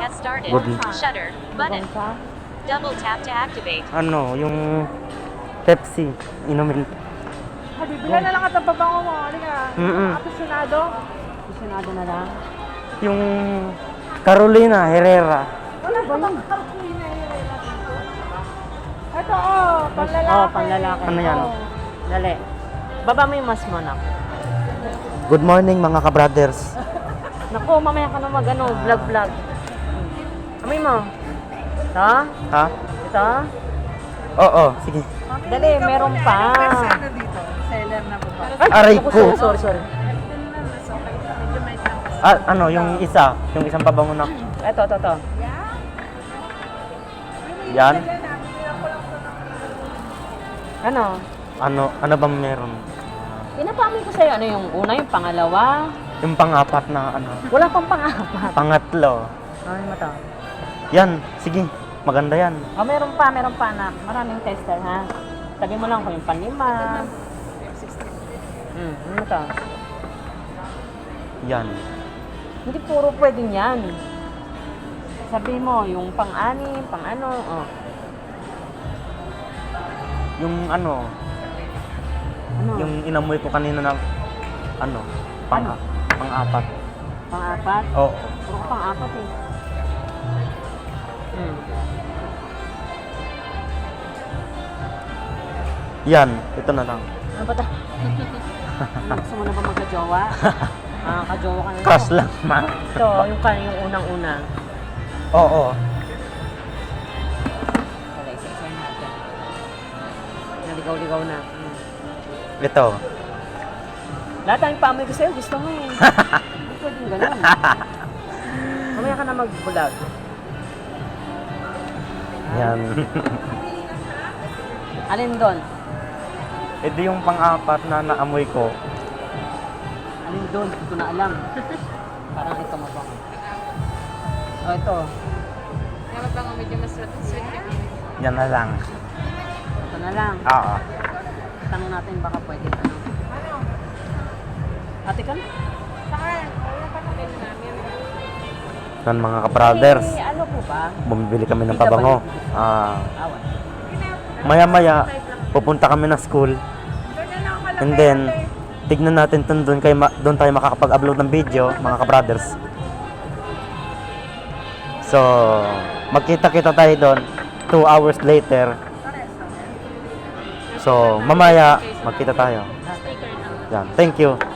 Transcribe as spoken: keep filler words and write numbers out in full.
has started. Good. Shutter button. Bangka. Double tap to activate. Ano, yung Pepsi, inumin. Ah, bibila na lang at ang babango mo. Halika. Mm-mm. Aficionado. Aficionado na lang. Yung Carolina Herrera. Wala ba yung Carolina Herrera dito? Ito, oh, panlalaki. Oh, panlalaki. Ano yan? Oh. Dali. Baba mo yung mask mo, nak. Good morning mga ka-brothers. Naku, mamaya ka na mag, ano, vlog-vlog. Amoy mo. Ito? Ha? Ito? Oo, sige. Dali, meron pa. Ano dito? Seller na po ba? Ay, Aray naku, ko. Sorry, sorry, sorry. Ah, ano, yung isa, yung isang pabango na. Ito, ito, ito. Yan. Ano? Ano, ano ba meron? Pinapamoy ko sa'yo. Ano yung una, yung pangalawa? Yung pang-apat na ano, Wala pang pang-apat. pangatlo. Ano mo to? Yan, sige. Maganda yan. Oh, meron pa, meron pa, anak. Maraming tester, ha? Sabi mo lang kung yung panlima. Hmm, ano to? Yan. Hindi puro pwedeng yan. Sabi mo, yung pang-anim, pang-ano, oh. Yung ano, Ano? yung inamoy ko kanina na ano, pang Ano? pang-apat. Pang-apat? Oo. Puro ka pang-apat, eh. Hmm. Yan, ito na lang. Ano ba ta? Gusto mo na ba magka-jowa? Ah, ka-jowa ka na lang. Crush lang, ma. Ito, yung kan yung unang-una. Oo. Wala, isa-isa natin. Naligaw-ligaw na. Hmm. Ito. Lahat tayong paamoy ko sa'yo, gusto mo eh. Hindi pwedeng ganun. Mamaya ka na mag-vlog. Yan. Alin doon? Ito yung pang-apat na naamoy ko. Alin doon? Hindi ko na alam. Parang ito mabango. O, ito. Dapat bang medyo mas sweet yung Yan na lang. Ito na lang. Oo. Tanong natin baka pwede ano. Ate ka? Yan mga ka-brothers. Eh, ano po ba? Bumibili kami ng pabango. Ah, Awan. maya-maya, pupunta kami ng school. And then, tignan natin dun, dun, kayo, ma- dun tayo makakapag-upload ng video, mga ka-brothers. So, magkita-kita tayo doon two hours later. So, mamaya, magkita tayo. Yan. Thank you.